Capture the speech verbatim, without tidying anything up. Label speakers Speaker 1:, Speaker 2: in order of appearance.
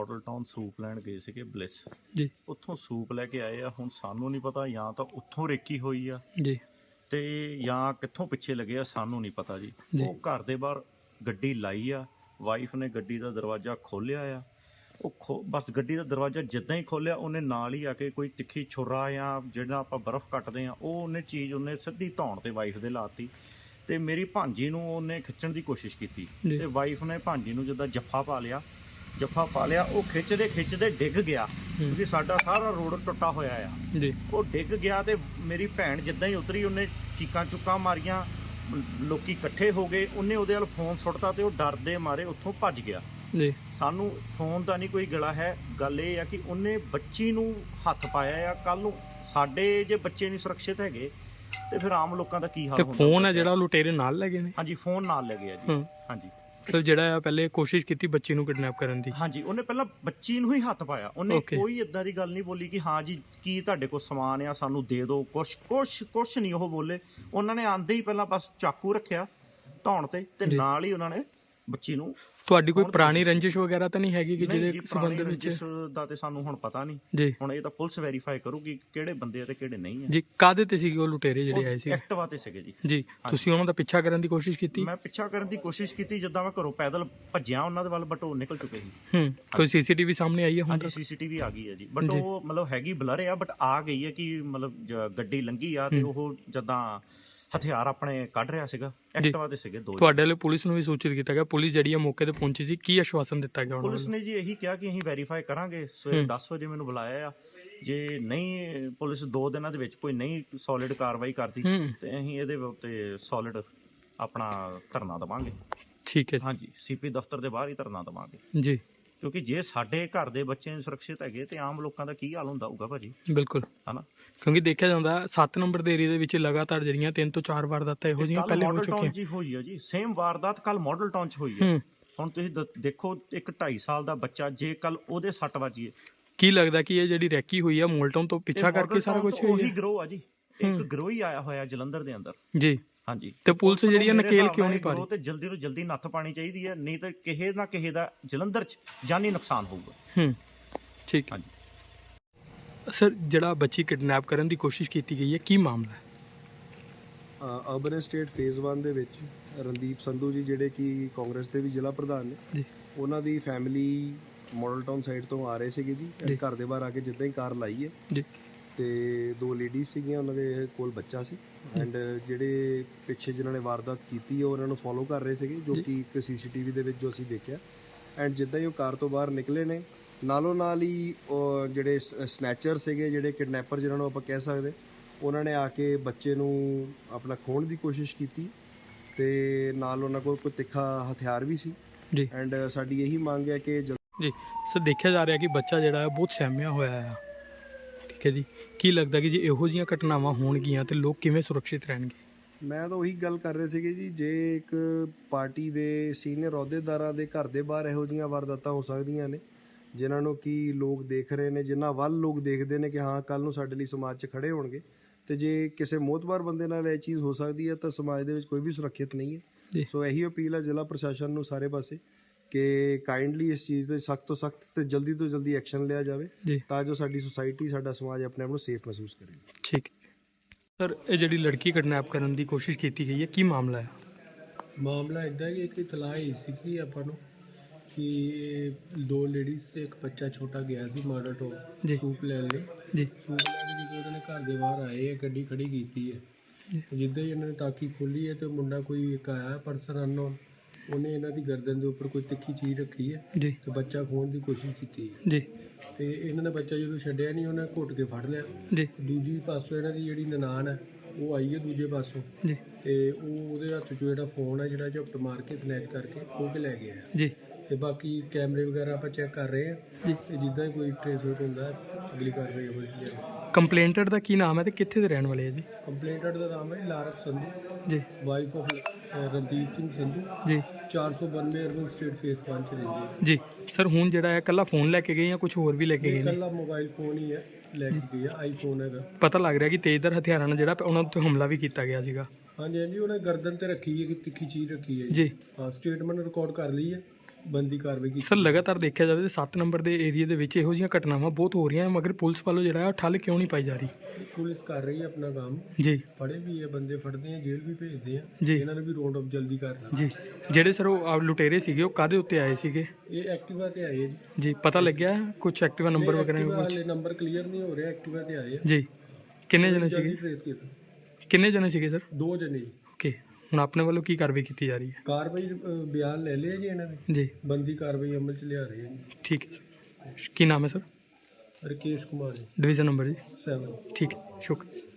Speaker 1: Model town soup ਲੈਣ ਗਏ ਸੀਗੇ ਬਲਿਸ
Speaker 2: ਜੀ
Speaker 1: ਉੱਥੋਂ ਸੂਪ ਲੈ ਕੇ ਆਏ ਆ। ਹੁਣ ਸਾਨੂੰ ਨਹੀਂ ਪਤਾ ਜਾਂ ਤਾਂ ਉੱਥੋਂ ਰੇਕੀ ਹੋਈ ਆ
Speaker 2: ਜੀ
Speaker 1: ਤੇ ਜਾਂ ਕਿੱਥੋਂ ਪਿੱਛੇ ਲੱਗੇ ਆ, ਸਾਨੂੰ ਨਹੀਂ ਪਤਾ ਜੀ।
Speaker 2: ਜੀ।
Speaker 1: ਉਹ ਘਰ ਦੇ ਬਾਹਰ ਗੱਡੀ ਲਾਈ ਆ, ਵਾਈਫ ਨੇ ਗੱਡੀ ਦਾ ਦਰਵਾਜ਼ਾ ਖੋਲ੍ਹਿਆ ਆ। ਉਹ ਖੋ ਬਸ ਗੱਡੀ ਦਾ ਦਰਵਾਜ਼ਾ ਜਿੱਦਾਂ ਹੀ ਖੋਲ੍ਹਿਆ ਉਹਨੇ ਨਾਲ ਹੀ ਆ ਕੇ ਕੋਈ ਤਿੱਖੀ ਛੁਰਾ ਜਾਂ ਜਿਹੜਾ ਆਪਾਂ ਬਰਫ਼ ਕੱਟਦੇ ਆ ਉਹ ਉਹਨੇ ਚੀਜ਼ ਉਹਨੇ ਸਿੱਧੀ ਧੌਣ ਤੇ ਵਾਈਫ ਦੇ ਲਾਤੀ ਤੇ ਮੇਰੀ ਭਾਂਜੀ ਨੂੰ ਉਹਨੇ ਖਿੱਚਣ ਦੀ ਕੋਸ਼ਿਸ਼ ਕੀਤੀ
Speaker 2: ਜੀ।
Speaker 1: ਤੇ ਵਾਈਫ ਨੇ ਭਾਂਜੀ ਨੂੰ ਜਿੱਦਾਂ ਜੱਫਾ ਪਾ ਲਿਆ ਜੱਫਾ ਪਾ ਲਿਆ ਉਹ ਖਿੱਚਦੇ ਖਿੱਚਦੇ ਡਿੱਗ ਗਿਆ ਕਿਉਂਕਿ ਸਾਡਾ ਸਾਰਾ ਰੋਡ ਟੁੱਟਾ ਹੋਇਆ ਆ
Speaker 2: ਜੀ।
Speaker 1: ਉਹ ਡਿੱਗ ਗਿਆ ਤੇ ਮੇਰੀ ਭੈਣ ਜਿੱਦਾਂ ਹੀ ਉਤਰੀ ਉਹਨੇ ਚੀਕਾਂ ਚੁੱਕਾਂ ਮਾਰੀਆਂ, ਲੋਕੀ ਇਕੱਠੇ ਹੋ ਗਏ, ਉਹਨੇ ਉਹਦੇ ਵੱਲ ਫੋਨ ਸੁੱਟਤਾ ਤੇ ਉਹ ਡਰਦੇ ਮਾਰੇ ਉੱਥੋਂ ਭੱਜ ਗਿਆ
Speaker 2: ਜੀ।
Speaker 1: ਸਾਨੂੰ ਫੋਨ ਦਾ ਨਹੀਂ ਕੋਈ ਗਲਾ ਹੈ, ਗੱਲ ਇਹ ਆ ਕਿ ਉਹਨੇ ਬੱਚੀ ਨੂੰ ਹੱਥ ਪਾਇਆ ਆ। ਕੱਲ ਨੂੰ ਸਾਡੇ ਜੇ ਬੱਚੇ ਨਹੀਂ ਸੁਰੱਖਿਅਤ ਹੈਗੇ ਤੇ ਫਿਰ ਆਮ ਲੋਕਾਂ ਦਾ ਕੀ ਹਾਲ
Speaker 2: ਤੇ
Speaker 1: ਹੁੰਦਾ।
Speaker 2: ਫੋਨ ਹੈ ਜਿਹੜਾ ਉਹ ਲੁਟੇਰੇ ਨਾਲ ਲੈ ਗਏ ਨੇ?
Speaker 1: ਹਾਂਜੀ ਫੋਨ ਨਾਲ ਲੈ ਗਿਆ ਜੀ।
Speaker 2: ਹੂੰ।
Speaker 1: ਹਾਂਜੀ
Speaker 2: ਮਤਲਬ ਜਿਹੜਾ ਆ ਪਹਿਲੇ ਕੋਸ਼ਿਸ਼ ਕੀਤੀ ਬੱਚੀ ਨੂੰ ਕਿਡਨੈਪ ਕਰਨ ਦੀ?
Speaker 1: ਹਾਂਜੀ ਉਹਨੇ ਪਹਿਲਾਂ ਬੱਚੀ ਨੂੰ ਹੀ ਹੱਥ ਪਾਇਆ, ਉਹਨੇ
Speaker 2: Okay.
Speaker 1: ਕੋਈ ਇਦਾਂ ਦੀ ਗੱਲ ਨਹੀਂ ਬੋਲੀ ਕਿ ਹਾਂ ਜੀ ਕੀ ਤੁਹਾਡੇ ਕੋਲ ਸਮਾਨ ਆ ਸਾਨੂੰ ਦੇ ਦਿਓ, ਕੁਛ ਕੁਛ ਕੁਛ ਨਹੀਂ ਉਹ ਬੋਲੇ। ਉਹਨਾਂ ਨੇ ਆਂਦੇ ਹੀ ਪਹਿਲਾਂ ਬਸ ਚਾਕੂ ਰੱਖਿਆ ਧੌਣ ਤੇ ਤੇ
Speaker 2: ਜੀ।
Speaker 1: ਨਾਲ ਹੀ ਉਹਨਾਂ ਨੇ ਬੱਚੀ ਨੂੰ।
Speaker 2: ਤੁਹਾਡੀ ਕੋਈ
Speaker 1: ਕੌਣ
Speaker 2: ਪੁਰਾਣੀ ਰੰਜਿਸ਼ ਵਗੈਰਾ ਤਾਂ ਨਹੀਂ ਹੈਗੀ ਕਿ
Speaker 1: ਨਹੀਂ
Speaker 2: ਜਿਹਦੇ
Speaker 1: ਜੀ,
Speaker 2: ਸੰਬੰਧ
Speaker 1: ਪੁਰਾਣੀ
Speaker 2: ਵਿੱਚ?
Speaker 1: ਰੰਜਿਸ਼ ਦਾ ਤੇ ਸਾਨੂੰ ਹੁਣ ਪਤਾ ਨਹੀਂ,
Speaker 2: ਜੀ
Speaker 1: ਹੁਣ ਇਹ ਤਾਂ ਪੁਲਿਸ ਵੈਰੀਫਾਈ ਕਰੂਗੀ ਕਿਹੜੇ ਬੰਦੇ ਆ ਤੇ ਕਿਹੜੇ ਨਹੀਂ ਆ।
Speaker 2: ਜੀ। ਕਾਹਦੇ ਤੇ ਸੀਗੇ ਉਹ ਲੁਟੇਰੇ ਜਿਹੜੇ ਆਏ ਸੀ?
Speaker 1: ਐਕਟਿਵਾ ਤੇ ਸੀਗੇ ਜੀ।
Speaker 2: ਜੀ। ਤੁਸੀਂ ਉਹਨਾਂ ਦਾ ਪਿੱਛਾ ਕਰਨ ਦੀ ਕੋਸ਼ਿਸ਼ ਕੀਤੀ?
Speaker 1: ਮੈਂ ਪਿੱਛਾ ਕਰਨ ਦੀ ਕੋਸ਼ਿਸ਼ ਕੀਤੀ ਜਿੱਦਾਂ ਮੈਂ ਘਰੋਂ ਪੈਦਲ ਭੱਜਿਆ ਉਹਨਾਂ ਦੇ ਵੱਲ, ਬਟ ਉਹ ਨਿਕਲ ਚੁੱਕੇ ਸੀ।
Speaker 2: ਹੂੰ। ਕੋਈ ਸੀਸੀਟੀਵੀ ਸਾਹਮਣੇ ਆਈ ਹੈ ਹੁਣ
Speaker 1: ਹਾਂਜੀ
Speaker 2: ਤੱਕ?
Speaker 1: ਸੀਸੀਟੀਵੀ ਆ ਗਈ ਹੈ ਜੀ, ਬਟ
Speaker 2: ਜੀ।
Speaker 1: ਉਹ ਮਤਲਬ ਹੈਗੀ ਬਲਰ ਆ, ਬਟ ਆ ਗਈ ਹੈ ਕਿ ਮਤਲਬ ਜ- ਗੱਡੀ ਲੰਘੀ ਆ ਤੇ ਉਹ ਜਦਾਂ ਹਥਿਆਰ ਆਪਣੇ ਕੱਢ ਰਿਹਾ ਸੀਗਾ। ਐਕਟਿਵਾ ਤੇ ਸੀਗੇ ਦੋ।
Speaker 2: ਤੁਹਾਡੇ ਲਈ ਪੁਲਿਸ ਨੂੰ ਵੀ ਸੂਚਿਤ ਕੀਤਾ ਗਿਆ? ਪੁਲਿਸ ਜਿਹੜੀ ਆ ਮੌਕੇ ਤੇ ਪਹੁੰਚੀ ਸੀ, ਕੀ ਆਸ਼ਵਾਸਨ ਦਿੱਤਾ ਗਿਆ ਉਹਨਾਂ
Speaker 1: ਪੁਲਿਸ
Speaker 2: ਨੂੰ?
Speaker 1: ਨੇ ਜੀ ਇਹੀ ਕਿਹਾ ਕਿ ਅਸੀਂ ਵੈਰੀਫਾਈ ਕਰਾਂਗੇ। ਸਵੇਰੇ ਦਸ ਵਜੇ ਮੈਨੂੰ ਬੁਲਾਇਆ ਆ, ਜੇ ਨਹੀਂ ਪੁਲਿਸ ਦੋ ਦਿਨਾਂ ਦੇ ਵਿੱਚ ਕੋਈ ਨਹੀਂ ਸੋਲਿਡ ਕਾਰਵਾਈ ਕਰਦੀ
Speaker 2: ਹੂੰ।
Speaker 1: ਤੇ ਅਸੀਂ ਇਹਦੇ ਉੱਤੇ ਸੋਲਿਡ ਆਪਣਾ ਧਰਨਾ ਦੇਵਾਂਗੇ।
Speaker 2: ਠੀਕ ਹੈ ਜੀ।
Speaker 1: ਹਾਂਜੀ ਸੀਪੀ ਦਫ਼ਤਰ ਦੇ ਬਾਹਰ ਹੀ ਧਰਨਾ ਦੇਵਾਂਗੇ,
Speaker 2: ਜੀ
Speaker 1: ਕਿਉਂਕਿ ਜੇ ਸਾਡੇ ਘਰ ਦੇ ਬੱਚੇ ਸੁਰੱਖਿਅਤ ਹੈਗੇ ਤੇ ਆਮ ਲੋਕਾਂ ਦਾ ਕੀ ਹਾਲ ਹੁੰਦਾ ਹੋਊਗਾ ਭਾਜੀ,
Speaker 2: ਬਿਲਕੁਲ।
Speaker 1: ਹਨਾ।
Speaker 2: ਕਿਉਂਕਿ ਦੇਖਿਆ ਜਾਂਦਾ ਸੱਤ ਨੰਬਰ ਦੇ ਏਰੀਆ ਦੇ ਵਿੱਚ ਲਗਾਤਾਰ ਜਿਹੜੀਆਂ ਤਿੰਨ ਤੋਂ ਚਾਰ ਵਾਰਦਾਤਾਂ ਇਹੋ ਜਿਹੀਆਂ
Speaker 1: ਕੱਲ
Speaker 2: ਪਹਿਲੇ ਹੋ
Speaker 1: ਮਾਡਲ ਟਾਊਨ
Speaker 2: ਚੁੱਕੀਆਂ।
Speaker 1: ਜੀ ਹੋਈ ਆ ਜੀ, ਸੇਮ ਵਾਰਦਾਤ ਕੱਲ ਮਾਡਲ ਟਾਊਨ ਚ ਹੋਈ ਹੈ।
Speaker 2: ਹੂੰ।
Speaker 1: ਹੁਣ ਤੁਸੀਂ ਦ- ਦੇਖੋ ਇੱਕ ਢਾਈ ਸਾਲ ਦਾ ਬੱਚਾ, ਜੇ ਕੱਲ ਉਹਦੇ ਸੱਟ ਵੱਜੀ ਹੈ।
Speaker 2: ਕੀ ਲੱਗਦਾ ਕਿ ਇਹ ਜਿਹੜੀ ਰੈਕੀ ਹੋਈ ਆ ਮੋਲਟਨ ਤੋਂ ਪਿੱਛਾ ਕਰਕੇ ਸਾਰਾ ਕੁਝ ਹੋਈ
Speaker 1: ਉਹੀ
Speaker 2: ਹੈ?
Speaker 1: ਗਰੋਹ ਆ ਜੀ, ਇੱਕ ਗਰੋਹ ਹੀ ਆਇਆ ਹੋਇਆ ਜਲੰਧਰ ਦੇ ਅੰਦਰ।
Speaker 2: ਜੀ।
Speaker 1: ਹਾਂਜੀ
Speaker 2: ਤੇ ਪੁਲਿਸ
Speaker 1: ਨੂੰ
Speaker 2: ਜਿਹੜੀ ਆ
Speaker 1: ਮੇਰੇ
Speaker 2: ਨਕੇਲ
Speaker 1: ਹਿਸਾਬ
Speaker 2: ਕਿਉਂ
Speaker 1: ਨਾਲ
Speaker 2: ਨਹੀਂ
Speaker 1: ਇਹ
Speaker 2: ਪਾ ਰਹੀ?
Speaker 1: ਗਰੋਹ ਤੇ ਜਲਦੀ ਤੋਂ ਜਲਦੀ ਨੱਥ ਪਾਣੀ ਚਾਹੀਦੀ ਹੈ, ਨਹੀਂ ਤਾਂ ਕਿਸੇ ਨਾ ਕਿਸੇ ਦਾ ਜਲੰਧਰ ਚ ਜਾਨੀ ਨੁਕਸਾਨ ਹੋਊਗਾ।
Speaker 2: ਹੂੰ। ਠੀਕ ਹੈ।
Speaker 1: ਹਾਂਜੀ
Speaker 2: ਸਰ ਜਿਹੜਾ ਬੱਚੀ ਕਿਡਨੈਪ ਕਰਨ ਦੀ ਕੋਸ਼ਿਸ਼ ਕੀਤੀ ਗਈ ਹੈ, ਕੀ ਮਾਮਲਾ ਹੈ?
Speaker 3: ਅਰਬਨ ਸਟੇਟ ਫੇਜ਼ ਵਨ ਦੇ ਵਿੱਚ ਰਣਦੀਪ ਸੰਧੂ ਜੀ ਜਿਹੜੇ ਕਿ ਕਾਂਗਰਸ ਦੇ ਵੀ ਜ਼ਿਲ੍ਹਾ ਪ੍ਰਧਾਨ ਨੇ,
Speaker 2: ਜੀ
Speaker 3: ਉਹਨਾਂ ਦੀ ਫੈਮਿਲੀ ਮਾਡਲ ਟਾਊਨ ਸਾਈਡ ਤੋਂ ਆ ਰਹੇ ਸੀਗੇ ਜੀ।
Speaker 2: ਜੀ।
Speaker 3: ਘਰ ਦੇ ਬਾਹਰ ਆ ਕੇ ਜਿੱਦਾਂ ਹੀ ਕਾਰ ਲਾਈ ਹੈ
Speaker 2: ਜੀ।
Speaker 3: ਤੇ ਦੋ ਲੇਡੀਜ਼ ਸੀਗੀਆਂ, ਉਹਨਾਂ ਦੇ ਕੋਲ ਬੱਚਾ ਸੀ ਐਂਡ ਜਿਹੜੇ ਪਿੱਛੇ ਜਿਨ੍ਹਾਂ ਨੇ ਵਾਰਦਾਤ ਕੀਤੀ ਹੈ ਉਹਨਾਂ ਨੂੰ ਫੋਲੋ ਕਰ ਰਹੇ ਸੀਗੇ, ਜੋ ਕਿ ਇੱਕ ਸੀਸੀਟੀਵੀ ਦੇ ਵਿੱਚ ਜੋ ਅਸੀਂ ਦੇਖਿਆ। ਐਂਡ ਜਿੱਦਾਂ ਹੀ ਉਹ ਕਾਰ ਤੋਂ ਬਾਹਰ ਨਿਕਲੇ ਨੇ, ਨਾਲੋਂ ਨਾਲ ਹੀ ਉਹ ਜਿਹੜੇ ਸਨੈਚਰ ਸੀਗੇ, ਜਿਹੜੇ ਕਿਡਨੈਪਰ ਜਿਹਨਾਂ ਨੂੰ ਆਪਾਂ ਕਹਿ ਸਕਦੇ, ਉਹਨਾਂ ਨੇ ਆ ਕੇ ਬੱਚੇ ਨੂੰ ਆਪਣਾ ਖੋਹਣ ਦੀ ਕੋਸ਼ਿਸ਼ ਕੀਤੀ ਤੇ ਨਾਲ ਉਹਨਾਂ ਕੋਲ ਕੋਈ ਤਿੱਖਾ ਹਥਿਆਰ ਵੀ ਸੀ।
Speaker 2: ਜੀ।
Speaker 3: ਐਂਡ ਸਾਡੀ ਇਹੀ ਮੰਗ ਹੈ ਕਿ ਜਲ-
Speaker 2: ਜੀ ਸਰ, ਦੇਖਿਆ ਜਾ ਰਿਹਾ ਕਿ ਬੱਚਾ ਜਿਹੜਾ ਹੈ ਬਹੁਤ ਸਹਿਮਿਆ ਹੋਇਆ ਆ। ਠੀਕ ਹੈ ਜੀ। ਕੀ ਲੱਗਦਾ ਕਿ ਜੇ ਇਹੋ ਜਿਹੀਆਂ ਘਟਨਾਵਾਂ ਹੋਣਗੀਆਂ ਤੇ ਲੋਕ ਕਿਵੇਂ ਸੁਰੱਖਿਅਤ ਰਹਿਣਗੇ?
Speaker 3: ਮੈਂ ਤਾਂ ਉਹੀ ਗੱਲ ਕਰ ਰਹੇ ਸੀਗੇ ਜੀ, ਜੇ ਇੱਕ ਪਾਰਟੀ ਦੇ ਸੀਨੀਅਰ ਅਹੁਦੇਦਾਰਾਂ ਦੇ ਘਰ ਦੇ ਬਾਹਰ ਇਹੋ ਜਿਹੀਆਂ ਵਾਰਦਾਤਾਂ ਹੋ ਸਕਦੀਆਂ ਨੇ ਜਿਨ੍ਹਾਂ ਨੂੰ ਕਿ ਲੋਕ ਦੇਖ ਰਹੇ ਨੇ, ਜਿਨ੍ਹਾਂ ਵੱਲ ਲੋਕ ਦੇਖਦੇ ਨੇ ਕਿ ਹਾਂ ਕੱਲ ਨੂੰ ਸਾਡੇ ਲਈ ਸਮਾਜ 'ਚ ਖੜੇ ਹੋਣਗੇ, ਤੇ ਜੇ ਕਿਸੇ ਮੋਤਬਾਰ ਬੰਦੇ ਨਾਲ ਇਹ ਚੀਜ਼ ਹੋ ਸਕਦੀ ਹੈ ਤਾਂ ਸਮਾਜ ਦੇ ਵਿੱਚ ਕੋਈ ਵੀ ਸੁਰੱਖਿਅਤ ਨਹੀਂ ਹੈ। ਸੋ ਇਹੀ ਅਪੀਲ ਹੈ ਜ਼ਿਲ੍ਹਾ ਪ੍ਰਸ਼ਾਸਨ ਨੂੰ ਸਾਰੇ ਪਾਸੇ ਕਿ ਕਾਈਂਡਲੀ ਇਸ ਚੀਜ਼ ਤੇ ਸਖਤ ਤੋਂ ਸਖਤ ਤੇ ਜਲਦੀ ਤੋਂ ਜਲਦੀ ਐਕਸ਼ਨ ਲਿਆ ਜਾਵੇ
Speaker 2: ਜੀ।
Speaker 3: ਤਾਂ ਜੋ ਸਾਡੀ ਸੁਸਾਇਟੀ, ਸਾਡਾ ਸਮਾਜ ਆਪਣੇ ਆਪ ਨੂੰ ਸੇਫ ਮਹਿਸੂਸ ਕਰੇ।
Speaker 2: ਠੀਕ ਹੈ ਸਰ, ਇਹ ਜਿਹੜੀ ਲੜਕੀ ਕਿਡਨੈਪ ਕਰਨ ਦੀ ਕੋਸ਼ਿਸ਼ ਕੀਤੀ ਗਈ ਹੈ, ਕੀ ਮਾਮਲਾ ਹੈ?
Speaker 4: ਮਾਮਲਾ ਇੱਦਾਂ ਕਿ ਇੱਕ ਇਤਲਾਹ ਹੀ ਸੀ ਕਿ ਆਪਾਂ ਨੂੰ ਕਿ ਇਹ ਦੋ ਲੇਡੀਜ਼ ਤੇ ਇੱਕ ਬੱਚਾ ਛੋਟਾ ਗਿਆ ਸੀ ਮਾਡਲ ਟਾਊਨ
Speaker 2: ਜੀ।
Speaker 4: ਸੂਪ ਲੈਣ ਲਈ।
Speaker 2: ਜੀ।
Speaker 4: ਸੂਪ ਲੈ ਕੇ ਜਦੋਂ ਉਹਨਾਂ ਨੇ ਘਰ ਦੇ ਬਾਹਰ ਆਏ, ਇਹ ਗੱਡੀ ਖੜੀ ਕੀਤੀ ਹੈ। ਜਿੱਦਾਂ ਹੀ ਇਹਨਾਂ ਨੇ ਤਾਕੀ ਖੋਲੀ ਹੈ ਤੇ ਮੁੰਡਾ ਕੋਈ ਇੱਕ ਆਇਆ ਪਰਸਨ ਅਨਨੋਨ, ਉਹਨੇ ਇਹਨਾਂ ਦੀ ਗਰਦਨ ਦੇ ਉੱਪਰ ਕੋਈ ਤਿੱਖੀ ਚੀਜ਼ ਰੱਖੀ ਹੈ
Speaker 2: ਜੀ।
Speaker 4: ਤੇ ਬੱਚਾ ਖੋਹਣ ਦੀ ਕੋਸ਼ਿਸ਼ ਕੀਤੀ ਹੈ।
Speaker 2: ਜੀ।
Speaker 4: ਤੇ ਇਹਨਾਂ ਨੇ ਬੱਚਾ ਜਦੋਂ ਛੱਡਿਆ ਨਹੀਂ, ਉਹਨੇ ਘੁੱਟ ਕੇ ਫੜ ਲਿਆ।
Speaker 2: ਜੀ।
Speaker 4: ਦੂਜੀ ਪਾਸੋਂ ਇਹਨਾਂ ਦੀ ਜਿਹੜੀ ਨਨਾਣ ਹੈ ਉਹ ਆਈ ਹੈ ਦੂਜੇ ਪਾਸੋਂ,
Speaker 2: ਜੀ।
Speaker 4: ਤੇ ਉਹ ਉਹਦੇ ਹੱਥ 'ਚੋਂ ਜਿਹੜਾ ਫੋਨ ਹੈ ਜਿਹੜਾ ਝਪਟ ਮਾਰ ਕੇ ਸਨੈਚ ਕਰਕੇ ਖੋਹ ਕੇ ਲੈ ਗਿਆ।
Speaker 2: ਜੀ।
Speaker 4: ਤੇ ਬਾਕੀ ਕੈਮਰੇ ਵਗੈਰਾ ਆਪਾਂ ਚੈੱਕ ਕਰ ਰਹੇ ਹਾਂ
Speaker 2: ਜੀ।
Speaker 4: ਤੇ ਜਿੱਦਾਂ ਹੀ ਕੋਈ ਟ੍ਰੇਸ ਆਊਟ ਹੁੰਦਾ ਅਗਲੀ ਕਾਰਵਾਈ ਹੋਵੇਗੀ।
Speaker 2: ਕੰਪਲੇਂਟਰ ਦਾ ਕੀ ਨਾਮ ਹੈ ਤੇ ਕਿੱਥੇ ਦੇ ਰਹਿਣ ਵਾਲੇ ਹੈ ਜੀ?
Speaker 4: ਕੰਪਲੇਂਟਡ ਦਾ ਨਾਮ ਹੈ ਲਾਰਕ ਸੰਧੂ,
Speaker 2: ਜੀ।
Speaker 4: Wife of Randeep Singh Sandhu,
Speaker 2: ji.
Speaker 4: ਚਾਰ ਸੌ ਬਾਨਵੇਂ ਅਰਬਨ ਸਟੇਟ ਫੇਸ ਵਨ 'ਚ ਰਹਿੰਦੀ ਹੈ।
Speaker 2: ਜੀ। ਸਰ ਹੁਣ ਜਿਹੜਾ ਹੈ ਇਕੱਲਾ ਫੋਨ ਲੈ ਕੇ ਗਏ ਜਾਂ ਕੁਝ ਹੋਰ ਵੀ ਲੈ ਕੇ ਗਏ ਨੇ?
Speaker 4: ਇਕੱਲਾ ਮੋਬਾਈਲ ਫੋਨ ਹੀ ਹੈ ਲੈ ਕੇ ਗਈ ਹੈ, ਆਈਫੋਨ ਹੈਗਾ।
Speaker 2: ਪਤਾ ਲੱਗ ਰਿਹਾ ਕਿ ਤੇਜ਼ਧਾਰ ਹਥਿਆਰਾਂ ਨਾਲ ਜਿਹੜਾ ਉਹਨਾਂ ਉੱਤੇ ਹਮਲਾ ਵੀ ਕੀਤਾ ਗਿਆ ਸੀਗਾ।
Speaker 4: ਹਾਂਜੀ ਹਾਂਜੀ, ਉਹਨੇ ਗਰਦਨ ਤੇ ਰੱਖੀ ਹੈ ਕਿ ਤਿੱਖੀ ਚੀਜ਼ ਰੱਖੀ ਹੈ
Speaker 2: ਜੀ।
Speaker 4: ਹਾਂ, ਸਟੇਟਮੈਂਟ ਰਿਕਾਰਡ ਕਰ ਲਈ ਹੈ ਬੰਦੀ ਕਾਰਵਾਈ ਕੀਤੀ।
Speaker 2: ਸਰ ਲਗਾਤਾਰ ਦੇਖਿਆ ਜਾਵੇ ਤਾਂ ਸੱਤ ਨੰਬਰ ਦੇ ਏਰੀਆ ਦੇ ਵਿੱਚ ਇਹੋ ਜਿਹੀਆਂ ਘਟਨਾਵਾਂ ਬਹੁਤ ਹੋ ਰਹੀਆਂ, ਮਗਰ ਪੁਲਿਸ ਵੱਲੋਂ ਜਿਹੜਾ ਹੈ ਉਹ ਠੱਲ ਕਿਉਂ ਨਹੀਂ ਪਾਈ ਜਾ ਰਹੀ?
Speaker 4: ਪੁਲਿਸ ਕਰ ਰਹੀ ਹੈ ਆਪਣਾ ਕੰਮ,
Speaker 2: ਜੀ
Speaker 4: ਫੜੇ ਵੀ ਇਹ ਬੰਦੇ, ਫੜਦੇ ਆ, ਜੇਲ੍ਹ ਵੀ ਭੇਜਦੇ ਆ,
Speaker 2: ਜੀ
Speaker 4: ਇਹਨਾਂ ਨੂੰ ਵੀ ਰੌਂਡ ਅਪ ਜਲਦੀ ਕਰਨਾ।
Speaker 2: ਜੀ ਜਿਹੜੇ ਸਰ ਉਹ ਆ ਲੁਟੇਰੇ ਸੀਗੇ ਉਹ ਕਾਹਦੇ ਉੱਤੇ ਆਏ ਸੀਗੇ?
Speaker 4: ਇਹ ਐਕਟਿਵਾ ਤੇ ਆਏ ਜੀ।
Speaker 2: ਜੀ ਪਤਾ ਲੱਗਿਆ ਕੁਝ ਐਕਟਿਵਾ ਨੰਬਰ ਵਗੈਰਾ
Speaker 4: ਐਕਟਿਵਾ
Speaker 2: ਕੁਝ?
Speaker 4: ਵਾਲੇ ਨੰਬਰ ਕਲੀਅਰ ਨਹੀਂ ਹੋ ਰਿਹਾ, ਐਕਟਿਵਾ ਤੇ ਆਏ ਆ।
Speaker 2: ਜੀ ਕਿੰਨੇ ਜਣੇ
Speaker 4: ਜਲਦੀ
Speaker 2: ਸੀਗੇ?
Speaker 4: ਟ੍ਰੇਸ ਕੀਤਾ।
Speaker 2: ਕਿੰਨੇ ਜਣੇ ਸੀਗੇ ਸਰ?
Speaker 4: ਦੋ ਜਣੇ ਜੀ।
Speaker 2: ਓਕੇ, ਹੁਣ ਆਪਣੇ ਵੱਲੋਂ ਕੀ ਕਾਰਵਾਈ ਕੀਤੀ ਜਾ ਰਹੀ ਹੈ?
Speaker 4: ਕਾਰਵਾਈ ਅ, ਬਿਆਨ ਲੈ ਲਿਆ ਜੀ ਇਹਨਾਂ ਦੇ,
Speaker 2: ਜੀ
Speaker 4: ਬੰਦੀ ਕਾਰਵਾਈ ਅਮਲ ਚ ਲਿਆ ਰਹੇ ਆ ਜੀ।
Speaker 2: ਠੀਕ ਹੈ ਸਰ। ਕੀ ਨਾਮ ਹੈ ਸਰ?
Speaker 4: ਰਕੇਸ਼ ਕੁਮਾਰ ਜੀ,
Speaker 2: ਡਿਵੀਜ਼ਨ ਨੰਬਰ ਜੀ?
Speaker 4: ਸੈਵਨ।
Speaker 2: ਠੀਕ ਹੈ, ਸ਼ੁਕਰੀਆ।